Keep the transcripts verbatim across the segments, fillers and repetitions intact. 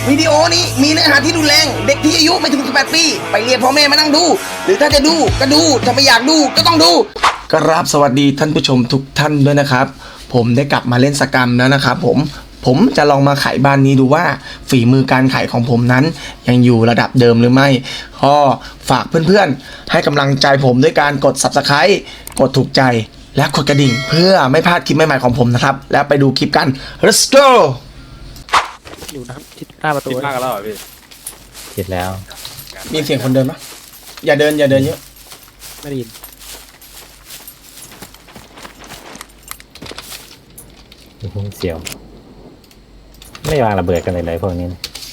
วิดีโอนี้มีเนื้อหาที่รุนแรงเด็กที่อายุไม่ถึงสิบแปดปีไปเรียกพ่อแม่มานั่งดู หรือถ้าจะดูก็ดูถ้าไม่อยากดูก็ต้องดูกราบสวัสดีท่านผู้ชมทุกท่านด้วยนะครับผมได้กลับมาเล่นสกรรมแล้วนะครับผมผมจะลองมาไขบ้านนี้ดูว่าฝีมือการไขของผมนั้นยังอยู่ระดับเดิมหรือไม่ก็ฝากเพื่อนๆให้กำลังใจผมด้วยการกด ซับสไครบ์ กดถูกใจและกดกระดิ่งเพื่อไม่พลาดคลิปใหม่ๆของผมนะครับแล้วไปดูคลิปกัน let's go อยู่นะครับทิศหน้าประตูคิดมากกันแล้วเหรอพี่คิดแล้วมีเสียงคนเดินปะอย่าเดินอย่าเดินเยอะไม่ได้ยินเสียวไม่วางระเบิดกันเลยเลยพวกนี้นะ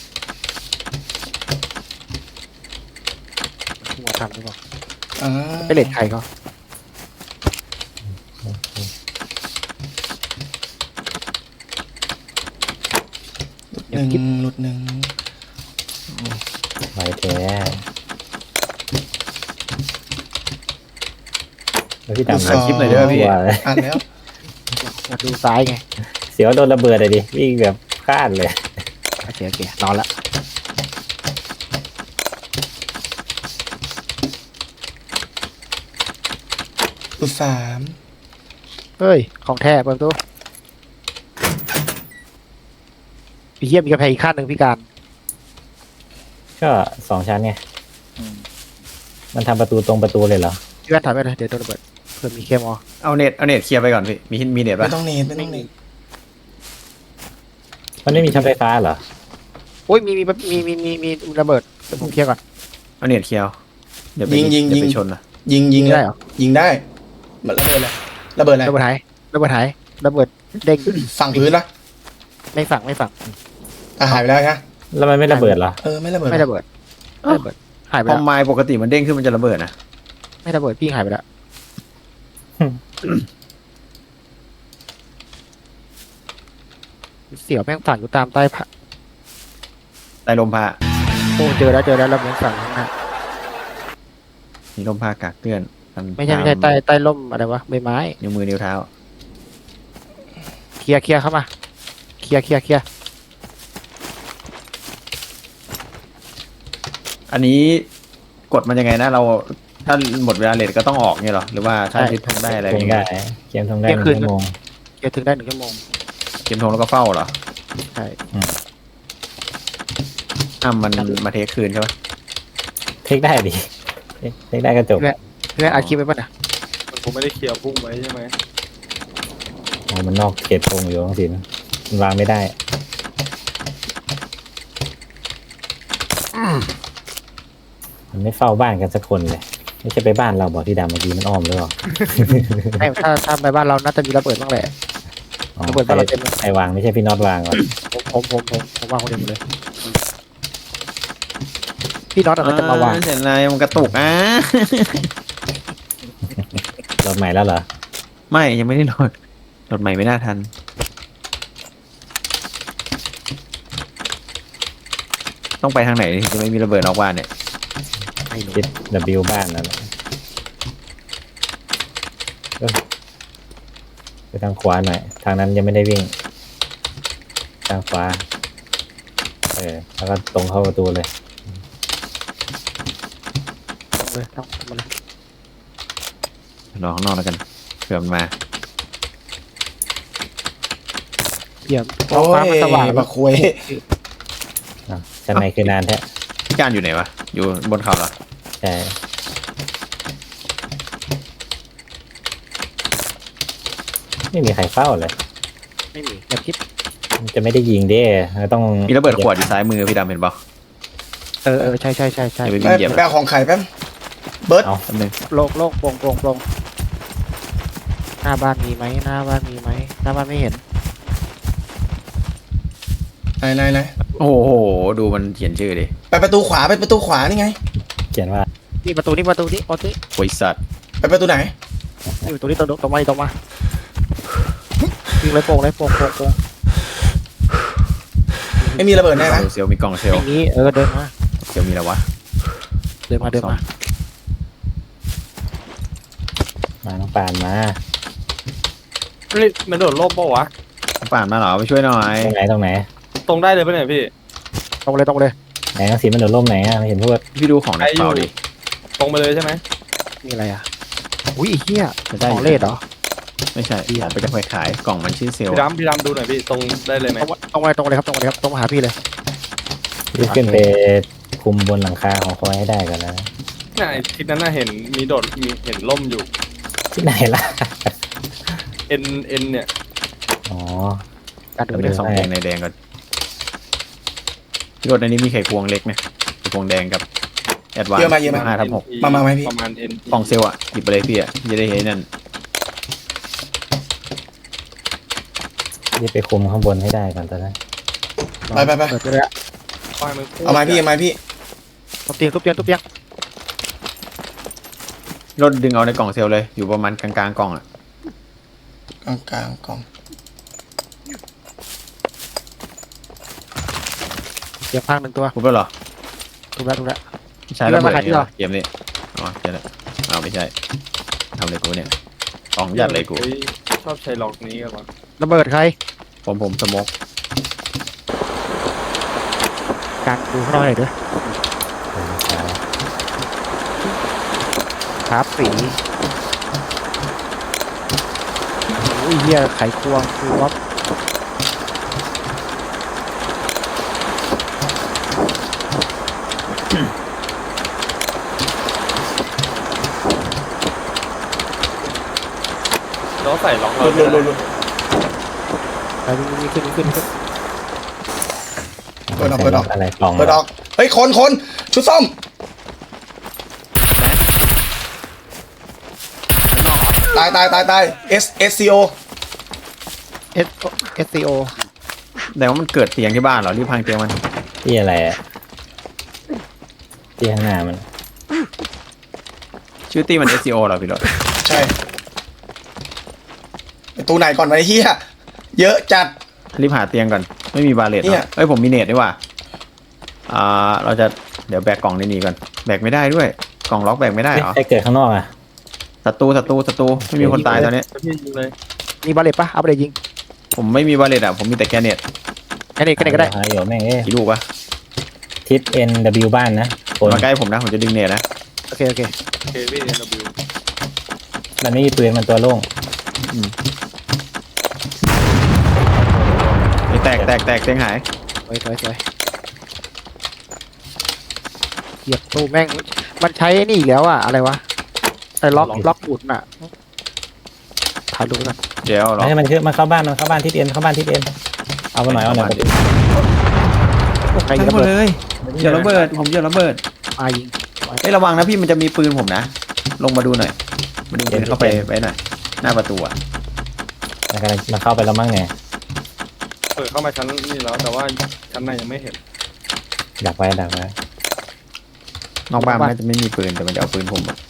หัวทำหรือเปล่าอ่าไปเลทใครเขาหนึ่งหลุดหนึ่งไว้แท้แล้วพี่ดำสองคลิปหน่อยด้วยพี่อ่านแล้วมาดูซ้ายไงเสียวโดนระเบิดเลยดิวิ่งแบบคาดเลยโอเคโอเคนอนละหลุดสามเฮ้ยของแท้เปิดประตูพี่เยี่ยมมีกระแพงอีกขั้นหนึ่งพี่การก็สองชั้นไงมันทำประตูตรงประตูเลยเหรอพี่แว่นถอยไปเลยเดี๋ยวโดนระเบิดเพื่อมีเคมอเอาเน็ตเอาเน็ตเคลียร์ไปก่อนพี่มีมีเน็ตไม่ป่ะต้องเนตไม่ต้องเนตมันไม่มีช็อตไฟฟ้าเหรอโอ้ยมีมีมีมีมีมีระเบิดเดี๋ยวผมเคลียร์ก่อนเอาเน็ตเคลียร์เดี๋ยวไปยิงยิงเดี๋ยิยวงไปชนนะยิงยิงได้เหรอยิงได้มันระเบิดเลยระเบิดอะไรระเบิดหายระเบิดหายระเบิดเด้งฝั่งพื้นละไม่ฝังไม่ฝังอ่ะหายไปแล้วนะแล้วมันไม่ระเบิดเหรอเออไม่ระเบิดไม่ระเบิดไม่ระเบิดหายไปพอแล้วไม้ปกติมันเด้งขึ้นมันจะระเบิดนะไม่ระเบิดพี่หายไปแล้วเสี่ยวแม่งฝังอยู่ตามใต้ผ้าใต้ลมผ้าโอ้เจอแล้วเจอแล้วระเบิดฝังข้างหน้ามีลมผ้ากากเตือนนไม่ใช่ไม่ใช่ใต้ใต้ร่มอะไรวะใบไม้นิ้วมือนิ้วเท้าเคลียร์เคลียร์เข้ามาเคลียร์เคลียร์เคลียร์อันนี้กดมันยังไงนะเราถ้าหมดเวลาเลทก็ต้องออกเนี่ยหรอหรือว่าถ้าทิศทงได้อะไรทอง ย่างได้เงี้ยเกมทงได้หนึ่งชั่วโมงเคลียร์ถึงได้หนึ่งชั่วโมงเกมทงแล้วก็เฝ้าเหรอใช่อ่ะมันมาเทคคืนใช่ปะเทคได้ดิเทคได้ก็จบเพื่อนอัดคลิปไว้ป่ะนะผมไม่ได้เคลียร์พุ่งไว้ใช่ไหมอ๋อมันนอกเขตธงอยู่สินะมันวางไม่ได้มันไม่เฝ้าบ้านกันสักคนเลยไม่ใช่ไปบ้านเราบอกที่ดำเมื่อกี้มันอ้อมหรือเปล่าไม่ถ้าถ้าไปบ้านเราน่าจะมีระเบิดบ้างแหละอ๋อระเบิดใคบ้านรเราเต็มเลยใครวางไม่ใช่พี่น็อตวางเหรอผมผมผมผมผมวางคนเดียวหมดเลยพี่น็อตอะไรจะมาวางอ่เสร็จแล้วมันกระตุกอ่ะรถใหม่แล้วเหรอไม่ยังไม่ได้โหลดโหลดใหม่ไม่น่าทัน ต้องไปทางไหนถึงจะไม่มีระเบิดนอกบ้านเนี่ยไม่รู้คิด W บ้านนั่นแหละเอ้ยไปทางขวาหน่อยทางนั้นยังไม่ได้วิ่ง ทางขวาเออแล้วก็ตรงเข้าประตูเลยเลยต้องมาเลยรอข้างนอกแล้วกันเผื่อมันมาเยี่ยมท้โอ้องฟ้ามันยสว่างมาคุยอ่ะชั้นในคือนานแท้พี่การอยู่ไหนวะ อยู่บนเขาเหรอใช่ไม่มีใครเฝ้าเลยไม่มีอย่าคิดมันจะไม่ได้ยิงเด้ต้องมีระเบิดขวดอยู่ซ้ายมือพี่ดำเห็นเปล่าเออเออใช่ใช่ใช่ใช่อย่าไปไปวิ่งเหยียบไปเอาของไข่แป๊บเบิร์ดเอาแป๊บนึงโลกโลกโปร่งโปร่งโปร่งหน้าบ้านมีไหมหน้าบ้านมีไหมหน้าบ้านไม่เห็นไหนไหนไหนโอ้โห ดูมันเขียนชื่อดิไปประตูขวาไปประตูขวานี่ไงเขียนว่านี่ประตูนี่ประตูนี่ประตูนี่บริษัทไปประตูไหนนี่ประตูนี่ตรงตรงมาตรงมายิงเลยโป่งเลยโป่งโป่งโป่งไม่มีระเบิดแน่นะเซลลมีกล่องเซลลอย่างนี้เออเดินมาเซลลมีอะไรวะเดินมาเดินมามาน้องปานมาเฮ้ยมันโดดร่มเปล่าวะป่านมาเหรอไปช่วยหน่อยตรงไหนตรงไหนตรงได้เลยปะเนี่ยพี่ตรงเลยตรงเลยไหนหนังสือมันโดดร่มไหนอ่ะไม่เห็นพูดพี่ดูของในกระเป๋าดิตรงไปเลยใช่ไหมมีอะไรอ่ะอุ้ยไอ้เหี้ยจะได้ของเลดเหรอไม่ใช่ผมไปจะไปขายกล่องมันชื่อเซลล์พี่ดำพี่ดำดูหน่อยพี่ตรงได้เลยไหมตรงตรงไปตรงเลยครับตรงเลยครับตรงมาหาพี่เลยรีบขึ้นไปคุมบนหลังคาของคอยให้ได้ก่อนนะเนี่ยไอ้ทิศนั้นน่ะเห็นมีโดดมีเห็นล่มอยู่ที่ไหนล่ะเอ็นเอ็นเนี่ยอ๋อการเดิเดี๋ยวน ไปไปสองแดงในแดงก่อนพี่รถในนี้มีไข่ควงเล็กนะไข่ควงแดงกับแอดวานเยอะมาเยอะมาห้าทับหกมามาไหมพี่ประมาณเอ็นของเซลล์อ่ะหยิบไปเลยพี่อ่ะพี่จะได้เห็นนั่นรีบไปคุมข้างบนให้ได้ก่อนตอนนั้นไปไปไปเปิดไปเลยอะเอาไม้พี่เอาไม้พี่ทุบเตียงทุบเตียงทุบเตียงรถดึงเอาในกล่องเซลล์เลยอยู่ประมาณกลางๆกล่องอ่ะกลางกลางกล่องเตียงพังหนึ่งตัวพูดแล้วเหรอทุบแล้วทุบแล้วไม่ใช่ระเบิดพี่นี่ว่าเหรอเกมนี้อ๋อใช่แล้วอ้าวไม่ใช่ทำเลยกูเนี่ยกล่องยัดเลยกูฮ้ชอบใช้ล็อกนี้กันวะระเบิดใครผมผมสโมกการดูข้างนอกหน่อยเด้อครับสีโอ้ยเหี้ยไขควงคือว่าแล้วใส่ล็อกหเราลุดหลุดหลุดหลุดไปนี่ขึ้นขึ้นขึ้นเปิดออกเปิดออกอะไรกล่องเปิดออกเฮ้ยคนคนชุดส้มตายตายตายตาย S S C O เอสเอสซีโอแต่ว่ามันเกิดเตียงที่บ้านเหรอรีบพังเตียงมันที่อะไรอ่ะที่ข้างหน้ามันชื่อตีมัน เอส ซี โอ เหรอพี่รถใช่ไปตู้ไหนก่อนวะไอ้เหี้ยเยอะจัดรีบหาเตียงก่อนไม่มีบาเลตเนี่ยเอ้ยผมมีเนตดีกว่าอ่าเราจะเดี๋ยวแบกกล่องในนี้ก่อนแบกไม่ได้ด้วยกล่องล็อกแบกไม่ได้เหรอใครเกิดข้างนอกอ่ะศัตรูศัตรูศัตรูไม่มีคนตายตอนนี้พี่ยิงเลยมีบาเลตปะเอาไปเลยยิงผมไม่มีบาเลตอ่ะผมมีแต่แกเนตแค่นี้แค่นี้ก็ได้หาอยู่แม่งเอ้ยกี่ลูกวะทิศ N W บ้านนะคนมาใกล้ผมนะผมจะดึงเนตนะโอเคโอเคเคพี่เอ็นบิวมันไม่มีปืนมันตัวโล่งไอ้แตกแตกแตกเตียงหายสวยสวยสวยเหยียบตู้แม่งมันใช้ไอ้นี่อีกแล้วอะอะไรวะไอ้ล็อกล็อกหมุนอะถ่ายรูปไว้ก่อนเดี๋ยวล็อกให้มันคือมันเข้าบ้านมันเข้าบ้านทิศ N เข้าบ้านทิศ N เอามาหน่อยเอาหน่อยใครทั้ระงหมดเบิดเลยเหยียบระเบิดผมเหยียบระเบิดมายิงเอ้ยระวังนะพี่มันจะมีปืนผมนะลงมาดูหน่อยมาดูเดินเข้าไปไปหน่อยหน้าประตูอ่ะมันกำลังมันเข้าไปแล้วมั้งไงเปิดเข้ามาชั้นนี่แล้วแต่ว่าชั้นในยังไม่เห็นดักไว้ดักไว้นอกบ้านมันน่าจะไม่มีปืนแต่มันจะเอาปืนผมอะ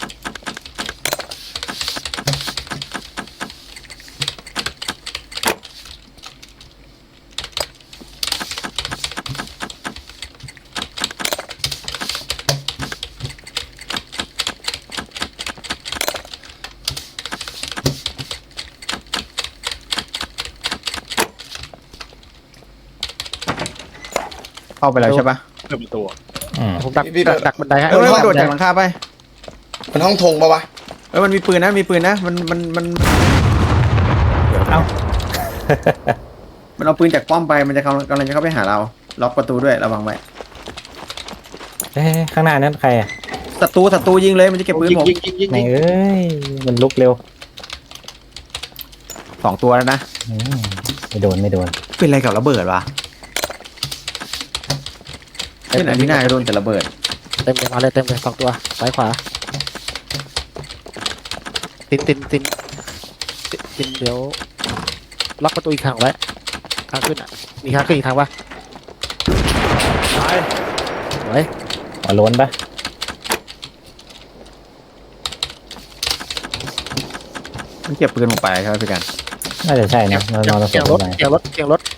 เข้าไปแล้วใช่ปะเปิดประตูอะอืมผมดักดักดักบันไดให้เอ้ยมันโดดจากหลังคาไปมันห้องธงปะวะเอ้ยมันมีปืนนะมีปืนนะมันมันมันเอ้ามันเอาปืนจากป้อมไปมันจะกำลังกำลังจะเข้าไปหาเราล็อกประตูด้วยระวังไว้เอ้ยข้างหน้านั้นใครอ่ะศัตรูศัตรูยิงเลยมันจะเก็บปืนยิงผมยิงยิงยิงไหนยิงเอ้ยมันลุกเร็วสองตัวแล้วนะอืมไม่โดนไม่โดนเป็นอะไรกับระเบิดวะเป็นอันที่น่าจะโดนแต่ระเบิดเต็มเลยมาเลยเต็มเลยสองตัวซ้ายขวาตินตินตินตินตินเดี๋ยวล็อกประตูอีกทางไว้ทางขึ้นอ่ะมีทางขึ้นอีกทางปะตายไว้หัวโล้นปะมันเก็บปืนผมไปใช่ไหมพี่กันน่าจะใช่นะนอนนอนเสียงสรบถไปเสียงรถเสียงรถ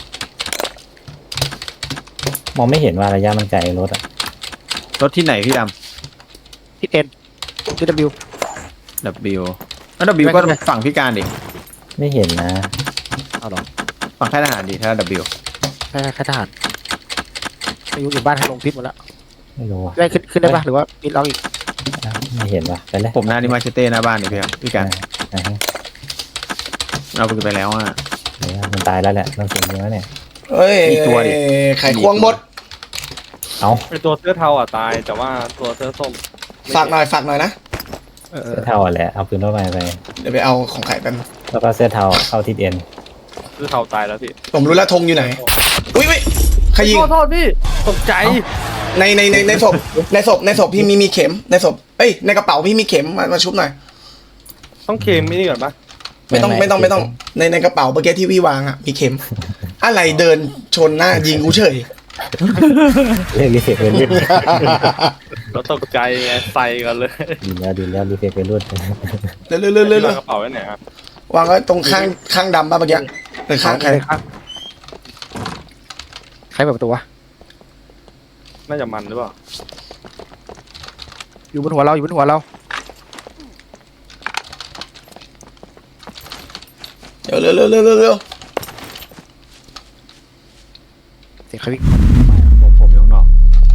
มองไม่เห็นว่าระยะมันไกลรถอ่ะรถที่ไหนพี่ดทิศเอ็นทิศ W ำ W แล้ว W ก็ฝั่งพี่การดิไม่เห็นนะเอาหรอฝั่งค่ายทหารดิถ้า W ใช่ใช่ค่ายทหารไม่รู้อยู่บ้านทางลงทิศหมดแล้วไม่รู้อ่ะได้ขึ้นขึ้นได้ปะหรือว่ามีล็อกอีกไม่เห็นว่ะไปเลยผมหน้านี่มาเชเต้หน้าบ้านนี่พี่ครับพี่กันอ่าฮะเราไปไปแล้วอ่ะเดี๋ยวมันตายแล้วแหละต้องเสียเนื้อเนี่ยเฮ้ยมีตัวดิไข่ควงหมดเอาไอตัวเสื้อเทาอ่ะตาย แต่ว่าตัวเสื้อส้มไม่ฝากหน่อยฝากหน่อยนะเออเสื้อเทาแหละเอาปืนรถไฟไปเดี๋ยวไปเอาของไข่แป๊บนึงแล้วก็เสื้อเทาเข้าทิศเอ็นเสื้อเทาตายแล้วพี่ผมรู้แล้วธงอยู่ไหน อุ้ยอุ้ยใครยิงโทษโทษพี่ตกใจในในในในศพในศพในศพพี่มีมีเข็มในศพเอ้ยในกระเป๋าพี่มีเข็มมามาชุบหน่อยต้องเคมไม่นี่ก่อนปะไม่ต้องไม่ต้องไม่ต้องในในกระเป๋าเมื่อกี้ที่พี่วางอ่ะมีเข็ม อะไรเดินชนหน้ายิงกูเฉยเรียกรีเฟกเป็นรุ่นแล้วตกใจไงใส่กันเลยดีแล้วดีแล้วรีเฟกเป็นรุ่นเร็วเร็วเร็วเร็วเร็วกระเป๋าไว้ไหนครับวางไว้ตรงข้างข้างดำป่ะเมื่อกี้หรือข้างใครใครครับใครเปิดประตูวะน่าจะมันหรือเปล่าอยู่บนหัวเราอยู่บนหัวเราเร็วเร็วเร็วเร็วเร็วเร็วเสียงใครวิ่งผมผมอยู่ข้างนอก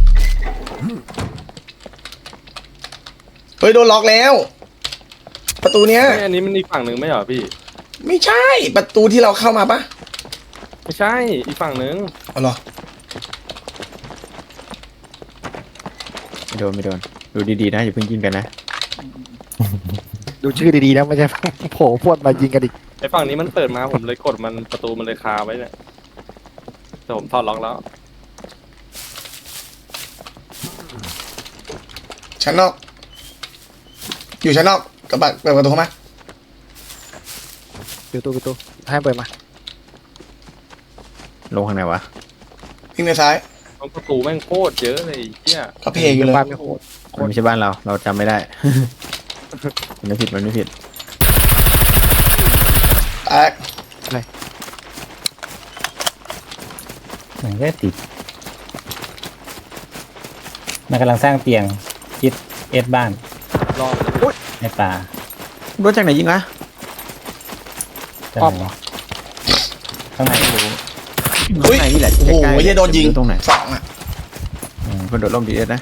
เฮ้ยโดนล็อกแล้ว ประตูเนี้ยเฮ้ยอันนี้มันอีกฝั่งหนึ่งไม่เหรอพี่ไม่ใช่ประตูที่เราเข้ามาปะไม่ใช่อีกฝั่งหนึ่งอ๋อเหรอไม่โดนไม่โดนดูดีๆนะอย่าเพิ่งยิงกันนะดูชื่อดีๆนะไม่ใช่ โผล่พวดมายิงกันอีกไอฝั่งนี้มันเปิดมาผมเลยกดมันประตูมันเลยคาไว้เนี่ยแต่ผมถอดล็อกแล้วชั้นนอก อยู่ชั้นนอกกระบะเปิดประตูเข้ามาอยู่ตู้ประตูให้เปิดมาลงข้างไหนวะวิ่งไปซ้ายประตูแม่งโคตรเยอะเลยไอ้เหี้ยก็เพลงอยู่เลยบ้านไม่โหดมันไม่ใช่บ้านเราเราจำไม่ได้ มันไม่ผิดมันไม่ผิดแตกมันก็ติดมันกำลังสร้างเตียงทิศเอสบ้านรอบในป่ารถจากไหนยิงวะด้านไหนข้างในอุ้ยข้างในนี่แหละโอ้โหใกล้ๆเหี้ยโดนยิงตรงไหนสองอ่ะคนโดดร่มดีเอสนะ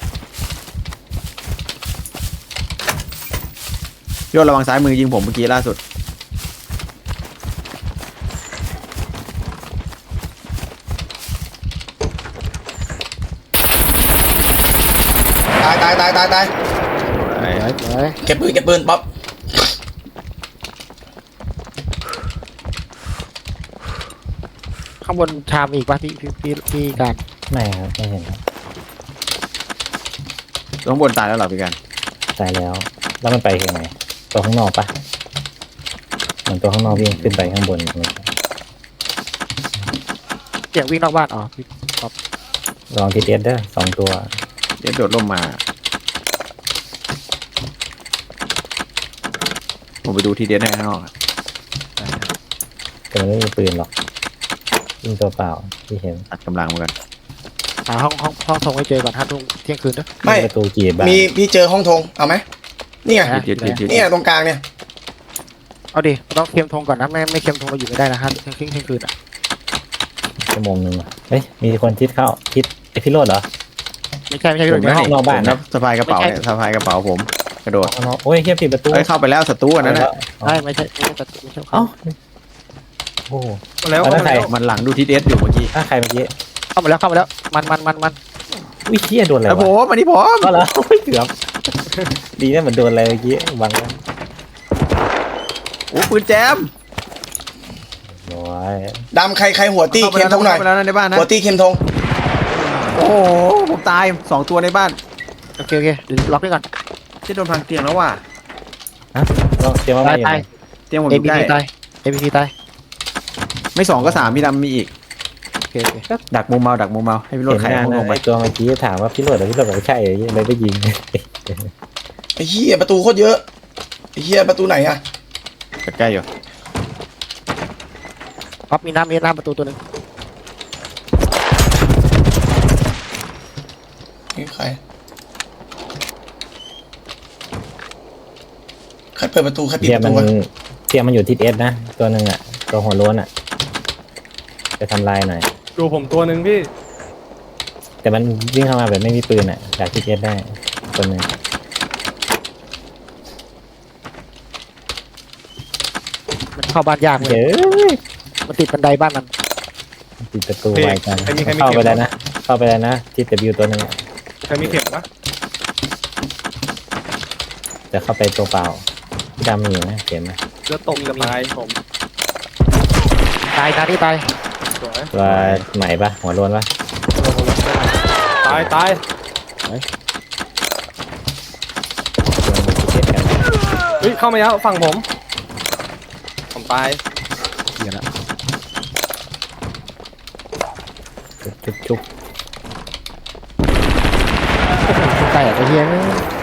พี่โยระวังซ้ายมือยิงผมเมื่อกี้ล่าสุดตายตายตายตายตายไอ้เฮ้ยเก็บปืนเก็บปืนป๊อปข้างบนชามอีกป่ะพี่พี่พี่พี่การไม่ครับไม่เห็นครับข้างบนตายแล้วเหรอพี่กันตายแล้ว แล้วมันไปทางไหนตัวข้างนอกปะเหมือนตัวข้างนอกวิ่งขึ้นไปข้างบนเสียงวิ่งนอกบ้านอ๋อพี่ลองทิศเอสเด้อสองตัวเดี๋ยวโดดร่มมา ผมไปดูทีเดียวให้ข้างนอกอะแต่มันไม่มีปืนหรอกยิงตัวเปล่าที่เห็นตัดกำลังมากันหาห้องห้องห้องทงให้เจอก่อนห้าทุ่มเที่ยงคืนเด้อไม่ประตูกีบบ้านมีพี่เจอห้องธงเอาไหมนี่ไงอ่ะยืดยืดยืดเนี่ยตรงกลางเนี่ยเอาดิต้องเค็มทงก่อนนะไม่ไม่เค็มทงเราอยู่ไม่ได้นะฮะเที่ยงคืนเที่ยงคืนอ่ะชั่วโมงหนึ่งอะเฮ้ยมีคนทิศเข้าทิศไอพิโรดเหรอไม่ใช่ไม่ใช่ผพี่มในนะห้องนอกบ้านนะสะพายกระเป๋าเนี่ยสะพายกระเป๋าผม กระโดดเอาเนาะโอ้ยเฮียปิดประตูเอ้ยเข้าไปแล้วศัตรูอันนั้นนะใช่ไม่ใช่ไม่ใช่ตัดไม่ใช่เอ้าโอ้โหมาแล้วเอาแล้วมาแล้วใครมันหลังดูทีเอสอยู่เมื่อกี้ถ้าใครเมื่อกี้เข้ามาแล้วเข้ามาแล้วมันมันมันมันอุ้ยเฮียโดนอะไรไอ้ผวะมอันนี้ผมก็แล้วโอ้ยเกือบดีนะเหมือนโดนอะไรเมื่อกี้บังแล้วโอ้ปืนแจมโอ้ยดำใครใครหัวตี้ข้าไปเข็มแล้วธงหน่อยเข้าไปแล้วนะในบ้านนะหัวตี้เข็มธงโอ้โหผมตายสองตัวในบ้านโอเคโอเคเดี๋ยวล็อกไว้ก่อนที่โดนพังเตียงแล้วว่ะฮะลองเตรียมมาตาไม่ยอยู่ตายไหนเตียงผมอเอยู่ พีใกล้ซีตายเอพีซีตายไม่สองก็สามพี่ดำมีอีกโอเคโอเคดักมุมเมาดักมุมเมาให้พี่โรถเห็นไขหน้าห้องหลน้างไปไอ้ตัวเมื่อกี้ถามว่าพี่โรดหรือพี่โรดบอกว่าใช่เลยเลยไปยิงไอ้เหี้ยประตูโคตรเยอะไอ้เหี้ยประตูไหนอ่ะใกล้ๆอยู่ป๊อปมีน้ำมีน้ำประตูตัวหนึ่งนี่ใครใครเปิดประตูใครปิดเทียปมระมัตูนวะเทียมมันอยู่ทิศเอสนะตัวหนึ่งอ่ะตัวหัวโล้นอ่ะไปทำลายหน่อยดูผมตัวหนึ่งพี่แต่มันวิ่งเข้ามาแบบไม่มีปืนอ่ะจากที่เก็ตได้คนหนึ่งมันเข้าบ้านยากเลเฮ้ยยมันติดบันไดบ้านมันปิดประตูไว้กันใครมีใครมีเข้าเข็ไปมแล้วนะเข้าไปแล้วนะที่แต่บิวตัวหนึงอะใครมีเข็มปะจะเข้าไปตัวเปล่าพี่ดำมีอยู่นะเข็มนะเลือดตกจะตายผมตายตายที่ตายสวยตัวใหม่ปะหัวโลนปะตายตายตัวที่เก็ตกันเฮ้ยเข้ามาแล้วฝั่งผม ผมตายเดี๋ยวละชุบชุบชุบใกล้อะไอ้เหี้ย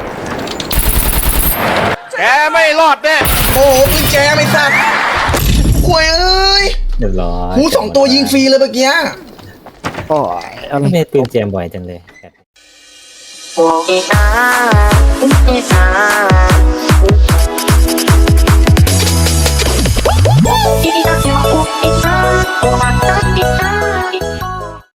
แกไม่รอดแน่โอ้โหปืนแจไม่ทราบควยเอ้ยเรียบร้อยหูสองตัวยิงฟรีเลยเมื่อกี้โอ้ยอะไรไม่ได้ปืนแจมบ่อยจังเลย我给他，给他。